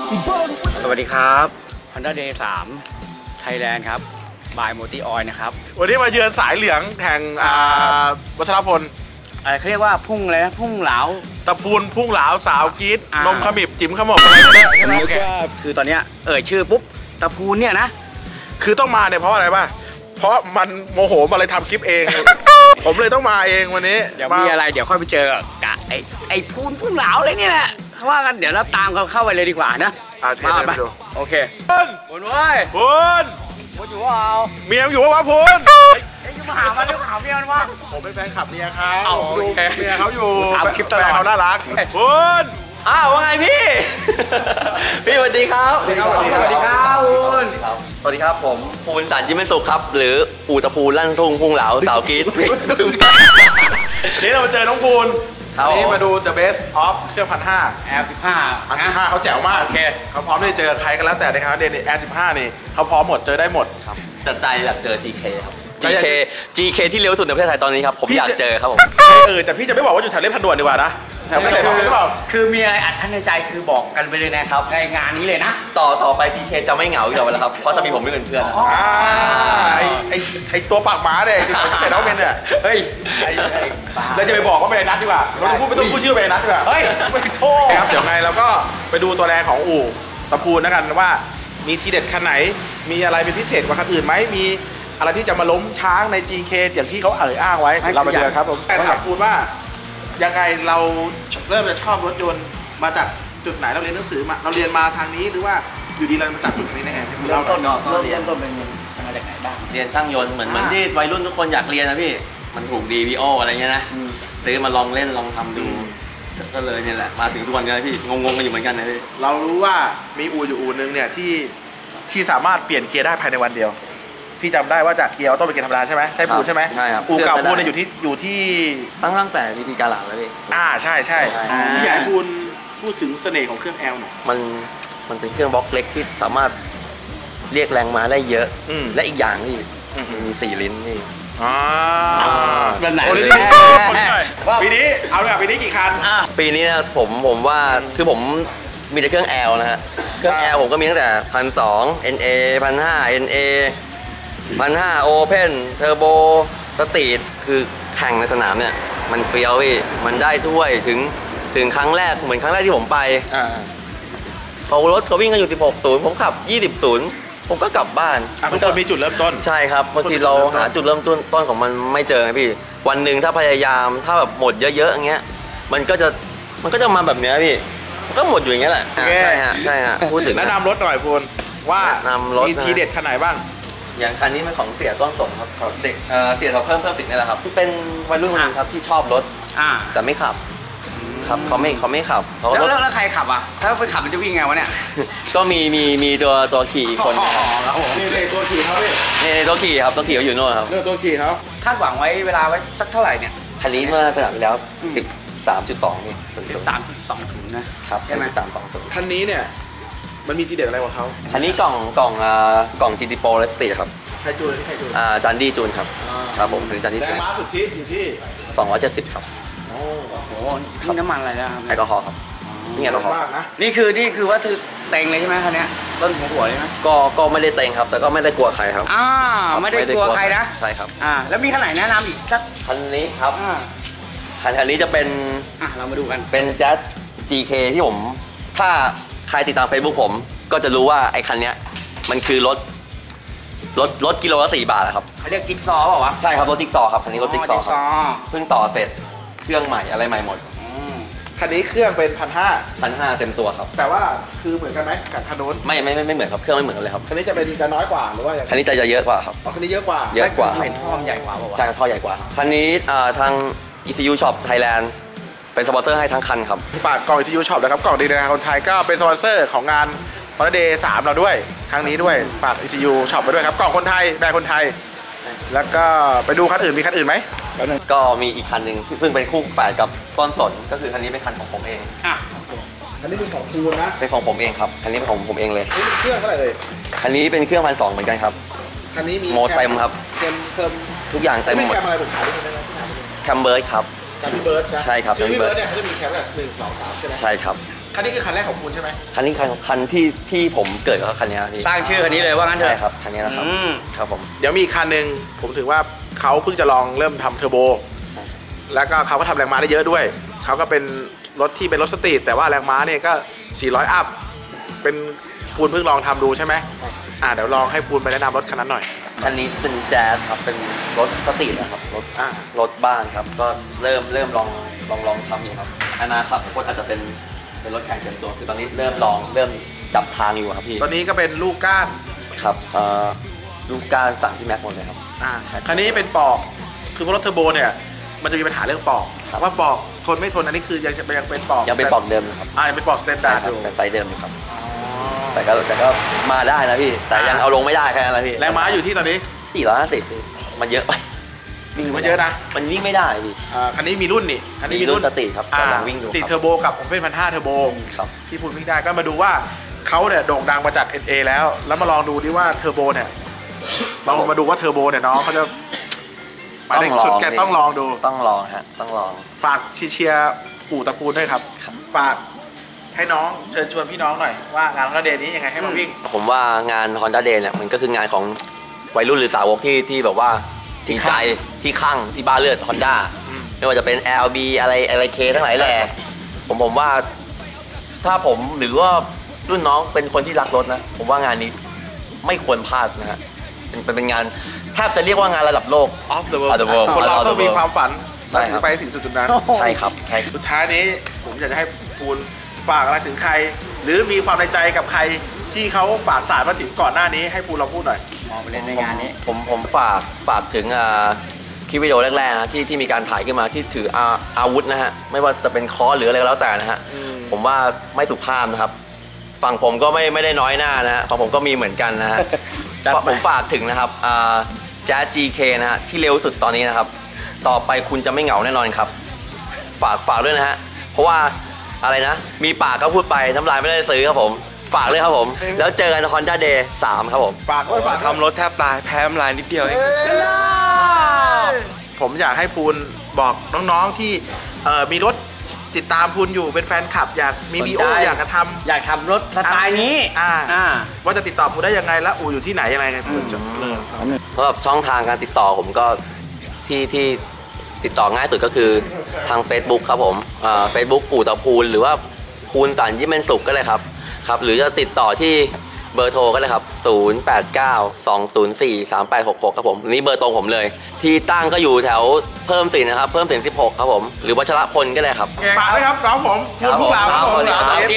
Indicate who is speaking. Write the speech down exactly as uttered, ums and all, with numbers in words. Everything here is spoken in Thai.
Speaker 1: สวัสดีครับ Honda เดย์ สาม Thailand ครับ บาย Multi Oil นะครับ
Speaker 2: วันนี้มาเยือนสายเหลืองแห่งวัชรพล
Speaker 1: อะไรเขาเรียกว่าพุ่งเลยนะพุ่งเหลา
Speaker 2: ตะพูนพุ่งเหลาสาวกีดนมขมิบจิ๋มขมบ
Speaker 1: ใช่ไหมคือตอนนี้เอ่ยชื่อปุ๊บตะพูนเนี่ยนะ
Speaker 2: คือต้องมาเนี่ยเพราะอะไรป่ะเพราะมันโมโหมาเลยทำคลิปเอง ผมเลยต้องมาเองวันนี้
Speaker 1: เดี๋ยวมีอะไรเดี๋ยวค่อยไปเจอกะไอ้ไอ้พูนพุ่งเหลาเลยนี่แหละเขาว่ากันเดี๋ยวเราตามเขาเข้าไปเลยดีกว่านะ
Speaker 2: มาไปดู
Speaker 1: โอเคพูนพูนเว้ย
Speaker 2: พูน
Speaker 1: พูนอยู่ว่าเอา
Speaker 2: เมียอยู่ว่าพูน
Speaker 1: ไอ้ยูมาหามาเรื่องหาเมียมันวะ
Speaker 2: ผมเป็นแฟนคลับเมียเขา
Speaker 1: ดู
Speaker 2: เมียเขาอยู่
Speaker 1: ตามคลิปตลอด
Speaker 2: เขาน่ารักพูน
Speaker 3: อ้าวว่าไงพี่พี่สวัสดีครับ
Speaker 1: สวัสดีครับสวัสดีครับพูน
Speaker 3: สวัสดีครับผมภูนสันจิมเป็นสุขครับหรืออู่ตะพูนลั่นทุ่งพุ่งเหลาสาวกีด
Speaker 2: นี่เราเจอน้องพูนนี่มาดู The Best of เครื่องพันห้า
Speaker 1: แอร์สิบห้า
Speaker 2: แอร์สิบห้าเขาแจ๋วมาก
Speaker 1: โอเค
Speaker 2: เขาพร้อมที่จะเจอใครกันแล้วแต่ในครั้งเดนแอร์สิบห้านี่เขาพร้อมหมดเจอได้หมด
Speaker 3: ครับจัดใจอยากเจอ จี เค ครับ จี เค จี เค ที่เร็วสุดในประเทศไทยตอนนี้ครับผมอยากเจอครับผม
Speaker 2: เออแต่พี่จะไม่บอกว่าอยู่แถวเล่นพันด่วนดีกว่านะแถวไม่ใส่หรือเปล่า
Speaker 1: คือมีอะไรอัดอั้นในใจคือบอกกันไปเลยนะครับในงานนี้เลยนะ
Speaker 3: ต่อต่อไป จี เค จะไม่เหงาอีกแล้วครับเพราะจะมีผมเป็นเพื่อน
Speaker 2: อ่าไอไอไอตัวปากหมาเนี่ยใส่น้องเมนเนี่ย
Speaker 1: เฮ้ย
Speaker 2: เราจะไปบอกว่าเป็นไอ้นัทดีกว่าเราพูดไม่ต้องพูดชื่อเป็นไอ้นัทดีกว่า
Speaker 1: เฮ้ยไม่โทษ
Speaker 2: ครับเดี๋ยวไงเราก็ไปดูตัวแรงของอู่ตะพูนแล้วกันว่ามีทีเด็ดคันไหนมีอะไรเป็นพิเศษกว่าคันอื่นไหมมีอะไรที่จะมาล้มช้างใน จี เค อย่างที่เขาเอ่ยอ้างไว้เราไปดูครับผมแต่ถามคุณว่ายังไงเราเริ่มจะชอบรถยนต์มาจากจุดไหนเราเรียนหนังสือมาเราเรียนมาทางนี้หรือว่าอยู่ดีเรามาจากจุดนี้ได้ไง
Speaker 1: เริ่มต้นก็เรียนต้นเป็นมาจากไหนบ้าง
Speaker 3: เรียนช่างยนต์เหมือนเหมือนที่วัยรุ่นทุกคนอยากเรียนนะพี่มันถูกดีวีโออะไรเงี้ยนะซื้อมาลองเล่นลองทำดูก็เลยเนี่ยแหละมาถึงทุกวันนี้พี่งงๆกันอยู่เหมือนกันนะพี่
Speaker 2: เรารู้ว่ามีอู่อยู่อู่นึงเนี่ยที่ที่สามารถเปลี่ยนเกียร์ได้ภายในวันเดียวพี่จำได้ว่าจากเกียร์ออโต้เป็นเกียร์ธรรมดาใช่ไหมใช่ปูใช่ไหม
Speaker 3: ใช่ครับ
Speaker 2: อู่เก่าปูเนี่ยอยู่ที่อยู่ที่
Speaker 3: ตั้งตั้งแต่พีพีกาลาแล้วพี่
Speaker 2: อ่าใช่ใช่พี่ใหญ่ปูนพูดถึงเสน่ห์ของเครื่องแอลหน่อย
Speaker 3: มันมันเป็นเครื่องบล็อกเล็กที่สามารถเรียกแรงม้าได้เยอะและอีกอย่างนี่มีสี่ลิ้นนี่
Speaker 2: อ่า
Speaker 1: เป็นไหน
Speaker 2: ปีนี้เอาเลยปีนี้กี่คัน
Speaker 3: ปีนี้นะผมผมว่าคือผมมีแต่เครื่องแอลนะฮะเครื่องแอลผมก็มีตั้งแต่พันสองเอ็นเอพันห้าเอ็นเอพันห้าโอเพนเทอร์โบสตรีทคือแข่งในสนามเนี่ยมันเฟี้ยวพี่มันได้ถ้วยถึงถึงครั้งแรกเหมือนครั้งแรกที่ผมไปเขารถเขาวิ่งกันอยู่สิบหกศูนย์ผมขับยี่สิบศูนย์ผมก็กลับบ้าน
Speaker 2: มันก็มีจุดเริ่มต้น
Speaker 3: ใช่ครับบางทีเราหาจุดเริ่มต้นต้นของมันไม่เจอไงพี่วันหนึ่งถ้าพยายามถ้าแบบหมดเยอะๆอย่างเงี้ยมันก็จะมันก็จะมาแบบเนี้ยพี่ก็หมดอยู่อย่างเงี้ยแหละใช่ฮะใช่ฮะพูดถึง
Speaker 2: แนะนำรถหน่อยพูนว่ามีทีเด็ดขนาดบ้าง
Speaker 3: อย่างคันนี้เป็นของเสียต้นสมครับเด็กเสียเขาเพิ่มเพิ่มสิทธิ์นี่แหละครับเป็นวัยรุ่นคนนึงครับที่ชอบรถแต่ไม่ขับครับเขาไม่เขาไม่ขับ
Speaker 1: แล้วแล้วใครขับอ่ะถ้าไปขับมันจะวิ่งไงวะเนี่ย
Speaker 3: ก็มีมีมีตัวตัวขี่อีกคน
Speaker 2: นี่เลยตัวขี่เขาเนี่ย
Speaker 3: นี่ตัวขี่ครับตัวขี่เขาอยู่โน่นครับ
Speaker 2: เรื่องตัวขี่เขา
Speaker 1: คาดหวังไว้เวลาไว้สักเท่าไหร่เนี่ย
Speaker 3: คันนี้เมื่อสนามไปแล้วสิบสามจุดสองนี่
Speaker 1: สามจุดสองศูนย์นะครับ
Speaker 3: ใช่ไหมสามสองศูนย์
Speaker 2: คันนี้เนี่ยมันมีทีเด็ดอะไรกว่าเขา
Speaker 3: คันนี้กล่องกล่องอ่ากล่อง จี ที Pro และสตรีทครับ
Speaker 2: ใครจูนใครจูน
Speaker 3: อ่าจันดี้จูนครับครับผมคือจันดี้
Speaker 2: แรงม้าสุทธิอยู่ที่
Speaker 3: สองร้อยเจ็ดสิบครับ
Speaker 1: โอ้โหนี่น้ำมันอะไรนะครับ
Speaker 3: แอลกอฮอล์ครับนี่แอลกอฮอล์
Speaker 2: นะ
Speaker 1: นี่คือนี่คือว่าคือเต็งเลยใช่ไหมคันนี้ต้นหัวหัวเลยไหม
Speaker 3: ก็ก็ไม่ได้เต็งครับแต่ก็ไม่ได้กลัวใครครับ
Speaker 1: อ่าไม่ได้กลัวใครนะ
Speaker 3: ใช่ครับ
Speaker 1: อ่าแล้วมีคันไหนแนะนำอีกสัก
Speaker 3: คันนี้ครับคันคันนี้จะเป็น
Speaker 1: อ่ะเรามาดูกัน
Speaker 3: เป็นแจ๊ส จี เค ที่ผมถ้าใครติดตาม Facebook ผมก็จะรู้ว่าไอ้คันนี้มันคือรถรถรถกิโลละสี่บาทครับ
Speaker 1: เขาเรียกจิ๊กซอว์เปล่าวะ
Speaker 3: ใช่ครับรถจิ๊กซอว์ครับคันนี้รถจิ๊กซอว์เพิ่งต่อเสร็จเครื่องใหม่อะไรใหม่หมด
Speaker 2: คันนี้เครื่องเป็นพันห้า
Speaker 3: พันห้าเต็มตัวครับ
Speaker 2: แต่ว่าคือเหมือนกันไหมกับคันโน้น
Speaker 3: ไม่ไม่ไม่เหมือนครับเครื่องไม่เหมือนกันเลยครับ
Speaker 2: คันนี้จะเป็นจะน้อยกว่าหรือว่า
Speaker 3: คันนี้จะเยอะกว่าครับ
Speaker 2: คันนี้เยอะกว่า
Speaker 3: เยอะกว่า
Speaker 1: เห็นท่อใหญ่กว่าป่าว
Speaker 3: ใช่ท่อใหญ่กว่าคันนี้ทาง อี ซี ยู Shop Thailand เป็นสปอนเซอร์ให้ทั้งคันครับ
Speaker 2: ฝากกล่อง อี ซี ยู Shop นะครับกล่องดีในคนไทยก็เป็นสปอนเซอร์ของงาน Honda เดย์ สามเราด้วยครั้งนี้ด้วยฝาก อี ซี ยู Shop ไปด้วยครับกล่องคนไทยแบรนด์คนไทยแล้วก็ไปดูคันอื่นมีคันอื่นไหม
Speaker 3: ก็มีอีกคันหนึ่งซึ่งเป็นคู่แฝดกับต้นสนก็คือคันนี้เป็นคันของผมเอง
Speaker 1: อ่ะ
Speaker 2: คันนี้เป็นของคูนะ
Speaker 3: เป็นของผมเองครับคันนี้เป็นของผมเองเลย
Speaker 2: เครื่องเท่าไหร่เลย
Speaker 3: คันนี้เป็นเครื่องพันสองเหมือนกันครับ
Speaker 2: คันนี้มี
Speaker 3: โมเต็มครับ
Speaker 2: เต็มเติม
Speaker 3: ทุกอย่างเต็มหมด
Speaker 2: แคมอะไรผมขายได้ไหม
Speaker 3: แคมเบิร์ดครับ
Speaker 2: แคมเบิร์ด
Speaker 3: ใช่ครับ
Speaker 2: แคมเบิร์ดเนี่ยเขาจะมีแคมแบบหนึ่งสองสามใช่ไหม
Speaker 3: ใช่ครับ
Speaker 2: คันนี้คือคันแรกของคุณใช่ไหม
Speaker 3: คันนี้คันคันที่ที่ผมเกิดกับคันนี้ครับพี่
Speaker 1: สร้างชื่อคันนี้เลยว่างั้นเถ
Speaker 3: ใช่
Speaker 1: อะ
Speaker 3: ครับคันนี้นะครับ
Speaker 1: อืม
Speaker 3: ครับผม
Speaker 2: เดี๋ยวมีอีกคันหนึ่งผมถือว่าเขาเพิ่งจะลองเริ่มทำเทอร์โบ แล้วก็เขาก็ทำแรงม้าได้เยอะด้วย เขาก็เป็นรถที่เป็นรถสตรีทแต่ว่าแรงม้าเนี่ยก็ สี่ร้อย อัพ เป็นปูนเพิ่งลองทำดูใช่ไหมอ่าเดี๋ยวลองให้ปูนไปแนะนำรถคันนั้นหน่อย
Speaker 3: คันนี้เป็นแจ๊สครับเป็นรถสตรีทนะครับรถ
Speaker 2: อ่า
Speaker 3: รถบ้านครับก็เริ่มเริ่มลองลองลองทำอยู่ครับอนาคตก็อาจจะเป็นเป็นรถแข่งเต็มตัวคือตอนนี้เริ่มลองเริ่มจับทางอยู่ครับพี่
Speaker 2: ตอนนี้ก็เป็นลูกก้าน
Speaker 3: ครับเอ่อลูกการสั่งที่แม็กหมดเลยครับ
Speaker 2: อ่าคันนี้เป็นปอก คือรถเทอร์โบเนี่ยมันจะมีปัญหาเรื่องปอก
Speaker 3: ครับ
Speaker 2: ว่าปอกทนไม่ทนอันนี้คือยังจะยังเป็นปอก
Speaker 3: ยังเป็นปอกเดิมนะครับ
Speaker 2: อ่ายังเป็นปอกสแตน
Speaker 3: ใช่
Speaker 2: ดาร์ด
Speaker 3: ครั
Speaker 2: อบ ยู่
Speaker 3: เป็นไซส์เดิมอยู่ครับ
Speaker 2: อ๋อ
Speaker 3: แต่ก็แต่ก็มาได้นะพี่ แต่ยัง
Speaker 2: อ่า
Speaker 3: เอาลงไม่ได้แค่นั้นแหละพี่
Speaker 2: แรงม้าอยู่ที่ตอนนี้
Speaker 3: สี่ร้อยห้าสิบมันเยอะไปวิ่ง
Speaker 2: มันเยอะนะ
Speaker 3: มันวิ่งไม่ได้พี่
Speaker 2: อ่าคันนี้มีรุ่นนี่คันนี้
Speaker 3: มีรุ่นสตรีทครับ
Speaker 2: อ่า
Speaker 3: ลองวิ่งดู
Speaker 2: สตรีท
Speaker 3: ครับ
Speaker 2: เทอร์โบกับผมเป็นพันห้าเทอร์โบ
Speaker 3: ครับ
Speaker 2: ที่พูดวิ่งได้ก็มาดูว่าเขาเนี่ยโด่งดังมาจาก เอ็น เอ แล้ว แล้วมาลองดูดิว่าเทอร์โบเนี่ยลองมาดูว่าเทอร์โบเนี่ยน้องเขาจะไปได้สุดแกต้องลองดู
Speaker 3: ต้องลองฮะต้องลอง
Speaker 2: ฝากเชียร์ปู่ตระกูลด้วยครับ
Speaker 3: ครับ
Speaker 2: ฝากให้น้องเชิญชวนพี่น้องหน่อยว่างานคอนเดย์นี้ยังไงให้มาวิ่ง
Speaker 3: ผมว่างาน Honda Day เนี่ยมันก็คืองานของวัยรุ่นหรือสาวกที่ที่แบบว่าจริงใจที่คลั่งที่บ้าเลือด Honda
Speaker 2: อืม
Speaker 3: ไม่ว่าจะเป็น แอล บี อะไรอะไรเคทั้งหลายแหล่ผมผมว่าถ้าผมหรือว่ารุ่นน้องเป็นคนที่รักรถนะ ผมว่างานนี้ไม่ควรพลาดนะฮะเป็นเป็นเป็นงานแทบจะเรียกว่างานระดับโลก
Speaker 2: Off the world
Speaker 3: Off the world
Speaker 2: คนเรา
Speaker 3: Off the
Speaker 2: ต้องมี
Speaker 3: world
Speaker 2: ความฝัน
Speaker 3: ใช่
Speaker 2: เรา
Speaker 3: ค
Speaker 2: ถึ
Speaker 3: รั
Speaker 2: ง
Speaker 3: บ
Speaker 2: ไปถึงจุดๆนั้น
Speaker 3: ใช่ครับใช่ครับ
Speaker 2: สุดท้ายนี้ผมอยากจะให้ปูนฝากอะไรถึงใคร หรือมีความในใจกับใครที่เขาฝากสารมาถึงก่อนหน้านี้ให้ปูนเราพูดหน่อย
Speaker 1: มองไปเล่นในงานนี้
Speaker 3: ผมผมฝากฝากถึงอ่าคลิปวิดีโอแรกๆนะที่ที่มีการถ่ายขึ้นมาที่ถืออาอาวุธนะฮะไม่ว่าจะเป็นค้อนหรืออะไรก็แล้วแต่นะฮะ
Speaker 2: อืม
Speaker 3: ผมว่าไม่สุภาพนะครับฝั่งผมก็ไม่ไม่ได้น้อยหน้านะฮะฝั่งผมก็มีเหมือนกันนะฮะ
Speaker 1: จัดไป
Speaker 3: ผมฝากถึงนะครับแจ๊ส จี เค นะฮะที่เร็วสุดตอนนี้นะครับต่อไปคุณจะไม่เหงาแน่นอนครับ ฝากฝากด้วยนะฮะเพราะว่าอะไรนะมีปากก็พูดไปน้ำลายไม่ได้ซื้อครับผมฝากเลยครับผมแล้วเจอกัน Honda Day สามครับผม
Speaker 2: ฝากด้วยฝาก
Speaker 4: ทำรถแทบตายแพ้น้ำลายนิดเดียวเอง
Speaker 2: ผมอยากให้ปูนบอกน้องๆที่เอ่อมีรถติดตามปูนอยู่เป็นแฟนคลับ อยากมี
Speaker 1: สน
Speaker 2: บี
Speaker 1: ใจ
Speaker 2: โออยากจะทำ
Speaker 1: อยากทำรถสไตล์นี้
Speaker 2: อ่า
Speaker 1: อ่า
Speaker 2: ว่าจะติดต่อปูนได้ยังไงและอู่อยู่ที่ไหนยังไงปูนจะเริ่ม
Speaker 3: สำหรับช่องทางการติดต่อผมก็ที่ที่ติดต่อง่ายสุดก็คือทาง Facebook ครับผมเฟซบุ๊กปู่ตะพูนหรือว่าพูนสันยิ้มเป็นสุขก็เลยครับครับหรือจะติดต่อที่เบอร์โทรก็เลยครับ ศูนย์ แปด เก้า สอง ศูนย์ สี่ สาม แปด หก หก ครับผมนี่เบอร์ตรงผมเลย ที่ตั้งก็อยู่แถวเพิ่มสินนะครับเพิ่มสินสิบหกครับผมหรือวัชรพลก็เลยครับ
Speaker 2: ฝากด้วยครับน้องผมปูนผู้บ่าวครับผม
Speaker 3: ครับ